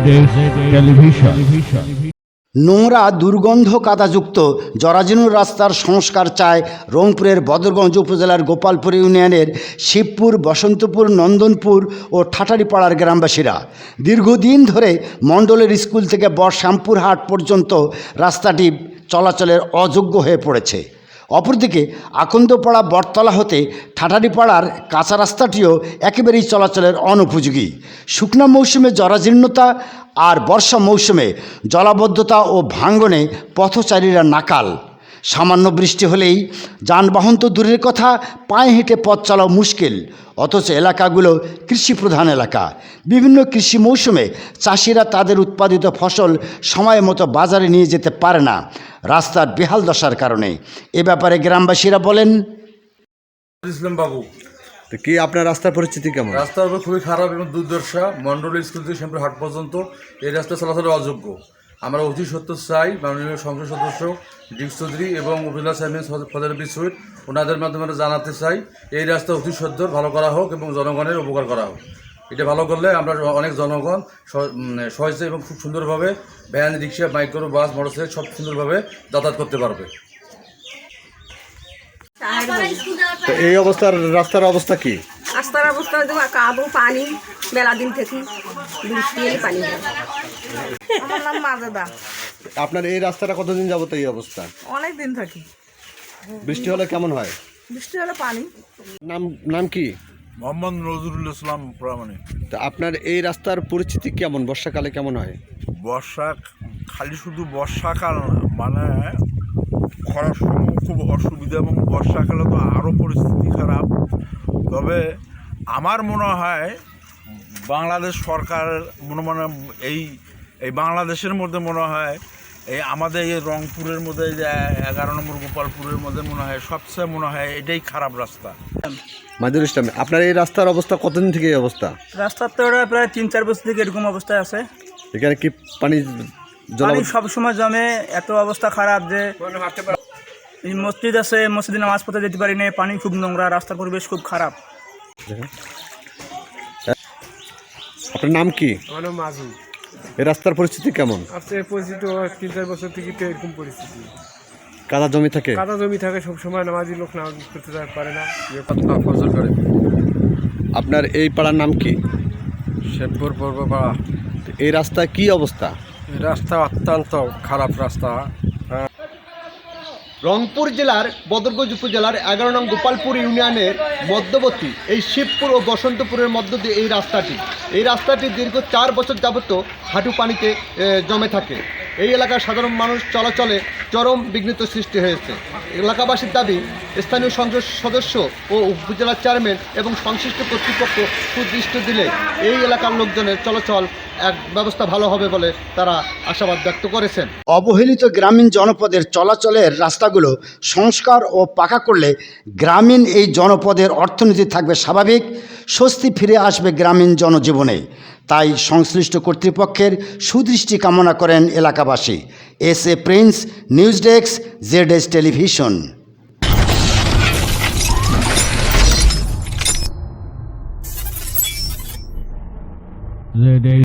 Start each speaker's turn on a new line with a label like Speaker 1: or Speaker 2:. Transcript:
Speaker 1: নোংরা দুর্গন্ধ কাদাযুক্ত জরাজীর্ণ রাস্তার সংস্কার চায় রংপুরের বদরগঞ্জ উপজেলার গোপালপুর ইউনিয়নের শিবপুর, বসন্তপুর, নন্দনপুর ও ঠাটারিপাড়ার গ্রামবাসীরা। দীর্ঘদিন ধরে মণ্ডলের স্কুল থেকে শ্যামপুর হাট পর্যন্ত রাস্তাটি চলাচলের অযোগ্য হয়ে পড়েছে। অপরদিকে আকন্দপাড়া বটতলা হতে ঠাটারিপাড়ার কাঁচা রাস্তাটিও একেবারেই চলাচলের অনুপযোগী। শুকনা মৌসুমে জরাজীর্ণতা আর বর্ষা মৌসুমে জলাবদ্ধতা ও ভাঙ্গনে পথচারীরা নাকাল। সামান্য বৃষ্টি হলেই যানবাহন তো দূরের কথা, পায়ে হেঁটে পথ চলাও মুশকিল। অথচ এলাকাগুলো কৃষিপ্রধান এলাকা। বিভিন্ন কৃষি মৌসুমে চাষিরা তাদের উৎপাদিত ফসল সময় মতো বাজারে নিয়ে যেতে পারে না রাস্তার বেহাল দশার কারণে। এ ব্যাপারে গ্রামবাসীরা বলেন,
Speaker 2: ইসলাম বাবু,
Speaker 3: তো কি আপনার রাস্তার পরিস্থিতি কেমন?
Speaker 2: রাস্তা খুবই খারাপ এবং দুর্দশা। মন্ডল স্কুল থেকে শ্যামপুর হাট পর্যন্ত এই রাস্তা চলাচলের অযোগ্য। আমরা অতি সত্য চাই মাননীয় সংসদ সদস্য ডিক চৌধুরী এবং উপজেলা চেয়ারম্যান ফজল সুইট ওনাদের মাধ্যমে জানাতে চাই এই রাস্তা অতি সত্তর ভালো করা হোক এবং জনগণের উপকার করা হোক। এটা ভালো করলে আমরা অনেক জনগণ সহজে এবং খুব সুন্দরভাবে van, rickshaw, micro bus, motorcycle সব সুন্দরভাবে যাতায়াত করতে পারবে।
Speaker 3: তো এই রাস্তার অবস্থা কি?
Speaker 4: রাস্তার অবস্থা কাদো পানি মেলা দিন থেকে বৃষ্টি এলে পানি হয়। আমার নাম মাজেদা।
Speaker 3: আপনার এই রাস্তাটা কতদিন যাবত এই অবস্থা?
Speaker 4: অনেক দিন থাকি।
Speaker 3: বৃষ্টি হলে কেমন হয়?
Speaker 4: বৃষ্টি হলে পানি।
Speaker 3: নাম কি?
Speaker 2: মোহাম্মদ নজরুল ইসলাম প্রামাণিক।
Speaker 3: তো আপনার এই রাস্তার পরিস্থিতি কেমন? বর্ষাকালে কেমন হয়?
Speaker 5: খালি শুধু বর্ষাকাল না, মানে খরার সময় খুব অসুবিধা এবং বর্ষাকালে তো আরও পরিস্থিতি খারাপ। তবে আমার মনে হয় বাংলাদেশ সরকার এই বাংলাদেশের মধ্যে মনে হয় এই আমাদের এই রংপুরের মধ্যে যে 11 নম্বর গোপালপুরের মধ্যে মনে হয় সবচেয়ে এটাই খারাপ রাস্তা।
Speaker 3: মাদুর ইসলাম, আপনার এই রাস্তার অবস্থা কতদিন থেকে এই অবস্থা?
Speaker 6: রাস্তার তো প্রায় 3-4 বছর থেকে এরকম অবস্থায় আছে।
Speaker 3: এখানে কি পানি
Speaker 6: সবসময় জমে, এত অবস্থা খারাপ যে মসজিদ আছে, মসজিদে নামাজ পড়তে যেতে পারি না, পানি খুব নোংরা, রাস্তার পরিবেশ খুব খারাপ।
Speaker 3: আপনার নাম কি?
Speaker 7: আমার নাম মাজু।
Speaker 3: এই রাস্তার পরিস্থিতি কেমন?
Speaker 7: পরিস্থিতি 3-4 বছর থেকে তো এরকম পরিস্থিতি।
Speaker 3: কাদা জমি থাকে
Speaker 7: সবসময় নামাজি লোক নামাজ করতে পারে না।
Speaker 3: আপনার এই পাড়ার নাম কি?
Speaker 7: শেরপুর পূর্বপাড়া।
Speaker 3: এই রাস্তায় কি অবস্থা?
Speaker 7: এই রাস্তা অত্যন্ত খারাপ রাস্তা।
Speaker 3: রংপুর জেলার বদরগঞ্জ উপজেলার 11 নং গোপালপুর ইউনিয়নের মধ্যবর্তী এই শিবপুর ও বসন্তপুরের মধ্য দিয়ে এই রাস্তাটি দীর্ঘ 4 বছর যাবত হাঁটু পানিতে জমে থাকে। এই এলাকার সাধারণ মানুষ চলাচলে চরম বিঘ্নিত সৃষ্টি হয়েছে। এলাকাবাসীর দাবি, স্থানীয় সংসদ সদস্য ও উপজেলা চেয়ারম্যান এবং সংশ্লিষ্ট কর্তৃপক্ষ সুদৃষ্টি দিলে এই এলাকার লোকজনের চলাচল ব্যবস্থা ভালো হবে বলে তারা আশাবাদ ব্যক্ত করেছেন।
Speaker 1: অবহেলিত গ্রামীণ জনপদের চলাচলের রাস্তাগুলো সংস্কার ও পাকা করলে গ্রামীণ এই জনপদের অর্থনীতি থাকবে স্বাভাবিক, স্বস্তি ফিরে আসবে গ্রামীণ জনজীবনে। তাই সংশ্লিষ্ট কর্তৃপক্ষের সুদৃষ্টি কামনা করেন এলাকাবাসী। S A Prince, news desk, Z television.